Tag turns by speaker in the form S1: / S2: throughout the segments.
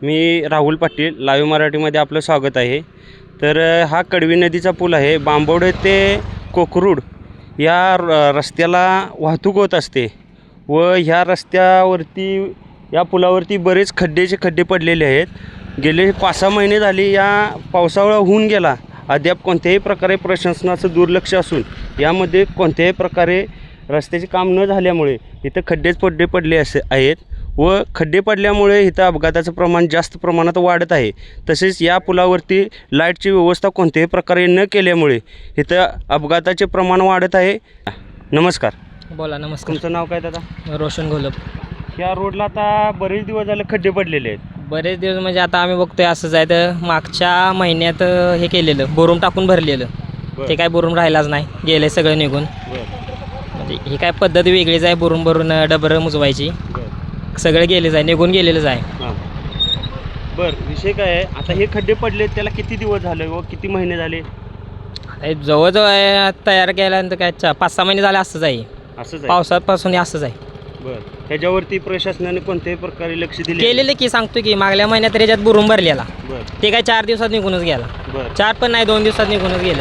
S1: मी Rahul Patil, live मराठीमध्ये आपलं स्वागत आहे। तर हा कडवी नदीचा पूल आहे। बांबवडे ते कोकरूड या रस्त्याला वाहतूक होत असते व ह्या रस्त्यावरती या पुलावरती बरेच खड्डे पडलेले आहेत। गेले 5-6 महिने झाले या पावसाळा होऊन गेला, अद्याप कोणत्याही प्रकारे प्रशासनाचं दुर्लक्ष असून यामध्ये कोणत्याही प्रकारे रस्त्याचे काम न झाल्यामुळे इथं खड्डेच पडले आहेत व खड्डे पडल्यामुळे इथं अपघाताचं प्रमाण जास्त प्रमाणात वाढत आहे। तसेच या पुलावरती लाईटची व्यवस्था कोणत्याही प्रकारे न केल्यामुळे इथं अपघाताचे प्रमाण वाढत आहे। नमस्कार।
S2: बोला। नमस्कार।
S1: तुमचं नाव काय दादा?
S2: रोशन घोलप।
S1: या रोडला आता बरेच दिवस झाले खड्डे पडलेले आहेत।
S2: बरेच दिवस म्हणजे आता आम्ही बघतोय असंच आहे। तर मागच्या महिन्यात हे केलेलं बोरुम टाकून भरलेलं, ते काय बोरुम राहिलाच नाही, गेले सगळं निघून। म्हणजे ही काय पद्धत वेगळीच आहे, बोरुम भरून डबरं मुजवायची, सगळं गेलेच आहे, निघून गेलेलंच आहे।
S1: बरं, विषय काय आहे आता हे खड्डे पडले त्याला किती दिवस झाले व किती महिने झाले?
S2: जवळजवळ तयार केल्यानंतर काय 5-6 महिने झाले असंच आहे। पावसापासून असंच आहे।
S1: बरं, ह्याच्यावरती प्रशासनाने कोणत्याही प्रकारे लक्ष दिले
S2: केलेलं की सांगतो की मागल्या महिन्यात त्याच्यात बोरुम भरलेला, ते काय 4 दिवसात निघूनच गेला। 4 पण नाही, 2 दिवसात निघूनच गेले।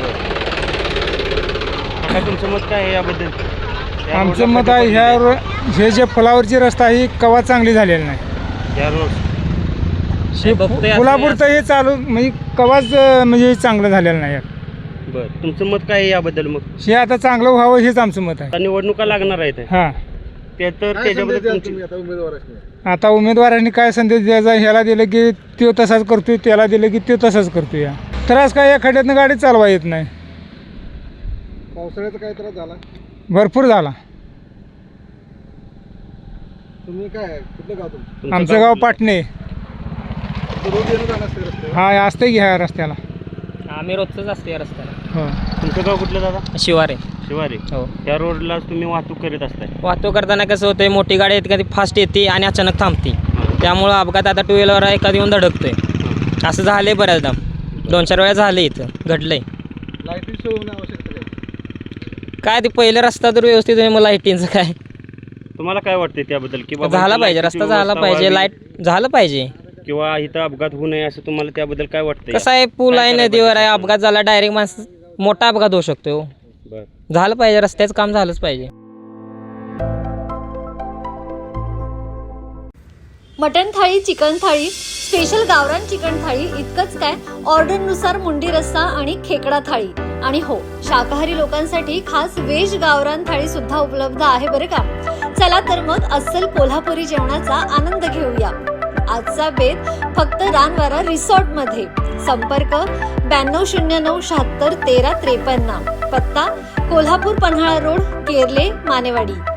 S1: काय तुमचं मत काय आहे याबद्दल?
S3: आमचं मत आहे हे जे पुलावरची रस्ता ही कवा चांगली झालेली नाही।
S1: या रोड
S3: पुलापूर तर हे चालू म्हणजे कवाच म्हणजे चांगलं झालेलं नाही।
S1: बरं, तुमचं मत काय आहे याबद्दल? मग
S3: हे आता चांगलं व्हावं हेच आमचं मत आहे।
S1: निवडणुका लागणार आहेत
S3: हां,
S1: ते तर त्याच्याबद्दल
S3: आता उमेदवारांनी काय संदेश द्यायचा? ह्याला दिलं की तो तसाच करतोय, त्याला दिलं की तो तसाच करतोय। या त्रास काय, या खड्ड्यातनं गाडी चालवा येत नाही।
S4: पावसाळ्याचा काय त्रास झाला?
S3: भरपूर झाला।
S4: तुम्ही काय कुठलं गाव तुमचं?
S3: आमचं गाव पाटणे।
S4: रोज येणं जाणं असते रस्त्यावर?
S3: हा, असते की ह्या रस्त्याला।
S2: आम्ही रोजच असते या रस्त्याला।
S3: हो।
S1: तुमचं गाव कुठलं दादा?
S2: शिवारे।
S1: शिवारी।
S2: हो।
S1: त्या रोडला तुम्ही वाहतूक करीत असताय?
S2: वाहतूक करताना कसं होतंय, मोठी गाडी येते, कधी फास्ट येते आणि अचानक थांबते, त्यामुळं अपघात आता 2 व्हीलर एखादी येऊन धडकतोय। असं झालंय बऱ्याचदा, 2-4 वेळा झालं, इथं घडलंय।
S4: लाईटीची सोय होणं आवश्यक आहे।
S2: काय ते पहिलं रस्ता तर व्यवस्थित आहे, मग लाईटींचं काय?
S1: तुम्हाला काय वाटते त्याबद्दल? की
S2: झाला पाहिजे, रस्ता झाला पाहिजे, लाईट झालं पाहिजे,
S1: किंवा इथं अपघात होऊ नये असं तुम्हाला त्याबद्दल काय वाटतं?
S2: कसं आहे, पूल आहे, नदीवर आहे, अपघात झाला डायरेक्ट माणसं, मोठा अपघात होऊ शकतो। झालं पाहिजे, रस्त्याचं काम झालंच पाहिजे।
S5: मटन थाळी, चिकन थाळी, स्पेशल गावरान चिकन थाळी इतकंच काय, ऑर्डरनुसार मुंडी रस्सा आणि खेकडा थाळी, आणि हो, शाकाहारी लोकांसाठी खास व्हेज गावरान थाळी सुद्धा उपलब्ध आहे बरं का। चला तर मग अस्सल कोल्हापुरी जेवणाचा आनंद घेऊया। आजचा बेत फक्त रानवारा रिसॉर्ट मध्ये। संपर्क 9209 76 13 53, पत्ता कोल्हापूर पन्हाळा रोड, केरले, मानेवाडी।